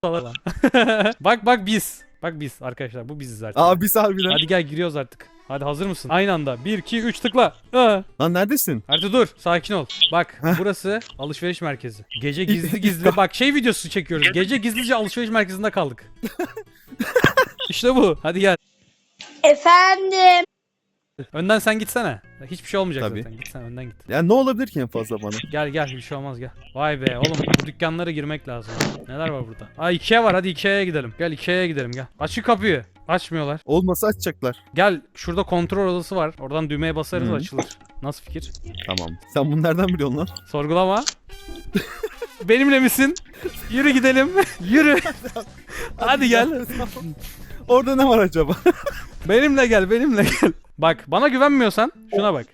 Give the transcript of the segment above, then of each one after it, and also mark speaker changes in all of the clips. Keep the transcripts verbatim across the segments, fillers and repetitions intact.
Speaker 1: Bak bak biz. Bak biz arkadaşlar, bu biziz artık.
Speaker 2: Aa biz harbiden.
Speaker 1: Hadi gel, giriyoruz artık. Hadi hazır mısın? Aynı anda. bir iki üç tıkla. Aa.
Speaker 2: Lan neredesin?
Speaker 1: Hadi dur, sakin ol. Bak burası alışveriş merkezi. Gece gizli gizli bak şey videosu çekiyoruz. Gece gizlice alışveriş merkezinde kaldık. İşte bu. Hadi gel.
Speaker 3: Efendim.
Speaker 1: Önden sen gitsene. Hiçbir şey olmayacak
Speaker 2: Tabii.
Speaker 1: zaten. Git sen, önden git.
Speaker 2: Ya ne olabilir ki en fazla bana?
Speaker 1: Gel gel, bir şey olmaz, gel. Vay be oğlum, bu dükkanlara girmek lazım. Neler var burada? Aa, Ikea var, hadi Ikea'ya gidelim. Gel Ikea'ya gidelim, gel. Aç şu kapıyı. Açmıyorlar.
Speaker 2: Olmasa açacaklar.
Speaker 1: Gel, şurada kontrol odası var. Oradan düğmeye basarız,
Speaker 2: Hı.
Speaker 1: açılır. Nasıl fikir?
Speaker 2: Tamam. Sen bunu nereden biliyorsun lan?
Speaker 1: Sorgulama. Benimle misin? Yürü gidelim. Yürü. Hadi gel.
Speaker 2: Orada ne var acaba?
Speaker 1: Benimle gel, benimle gel. Bak, bana güvenmiyorsan şuna bak.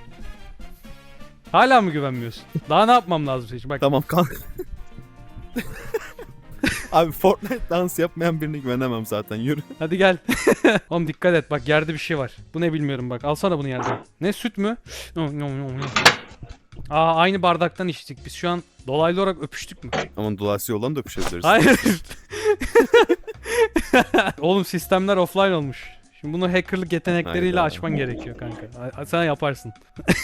Speaker 1: Hala mı güvenmiyorsun? Daha ne yapmam lazım senin için? Bak.
Speaker 2: Tamam kan. Abi Fortnite dans yapmayan birine güvenemem zaten. Yürü.
Speaker 1: Hadi gel. Oğlum dikkat et, bak yerde bir şey var. Bu ne bilmiyorum, bak. Alsana bunu yerden. Ne, süt mü? Aa, aynı bardaktan içtik. Biz şu an dolaylı olarak öpüştük mü?
Speaker 2: Ama dolayısıyla olan da öpüşebiliriz.
Speaker 1: Hayır. Oğlum sistemler offline olmuş. Şimdi bunu hackerlık yetenekleriyle
Speaker 2: Hayda.
Speaker 1: açman gerekiyor kanka. A- Sen yaparsın.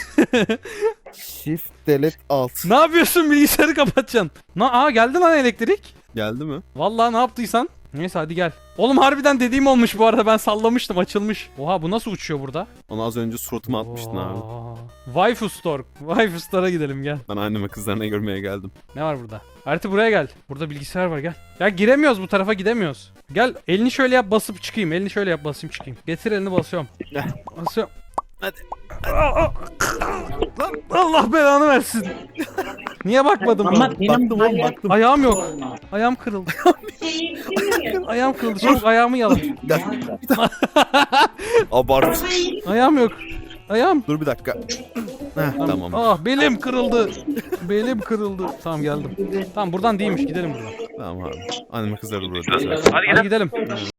Speaker 2: Shift delete alt.
Speaker 1: Ne yapıyorsun, bilgisayarı kapatacaksın. Na aa, geldi lan elektrik.
Speaker 2: Geldi mi?
Speaker 1: Vallahi ne yaptıysan. Neyse hadi gel. Oğlum harbiden dediğim olmuş bu arada, ben sallamıştım, açılmış. Oha, bu nasıl uçuyor burada?
Speaker 2: Onu az önce suratıma atmıştın abi.
Speaker 1: Oo. Waifu Store. Waifu Store'a gidelim, gel.
Speaker 2: Ben anneme kızlarına görmeye geldim.
Speaker 1: Ne var burada? Artı buraya gel. Burada bilgisayar var, gel. Ya giremiyoruz, bu tarafa gidemiyoruz. Gel, elini şöyle yap, basıp çıkayım. Elini şöyle yap, basayım çıkayım. Getir elini, basıyorum.
Speaker 2: Gel.
Speaker 1: Basıyorum.
Speaker 2: Hadi.
Speaker 1: Lan Allah belanı versin. Niye bakmadım
Speaker 4: Ama
Speaker 1: bana?
Speaker 4: benim
Speaker 2: Baktım oğlum
Speaker 4: hayal-
Speaker 2: baktım.
Speaker 1: Ayağım yok. Ayağım kırıldı. Ayağım kırıldı. Çabuk ayağımı yalan.
Speaker 2: Gel. Abart.
Speaker 1: Ayağım yok. Ayağım.
Speaker 2: Dur bir dakika. Heh, tamam.
Speaker 1: Ah, belim kırıldı. Belim kırıldı. Tamam, geldim. Tamam, buradan değilmiş, gidelim buradan.
Speaker 2: Tamam abi. Anneme kızları burada.
Speaker 1: Hadi gidelim.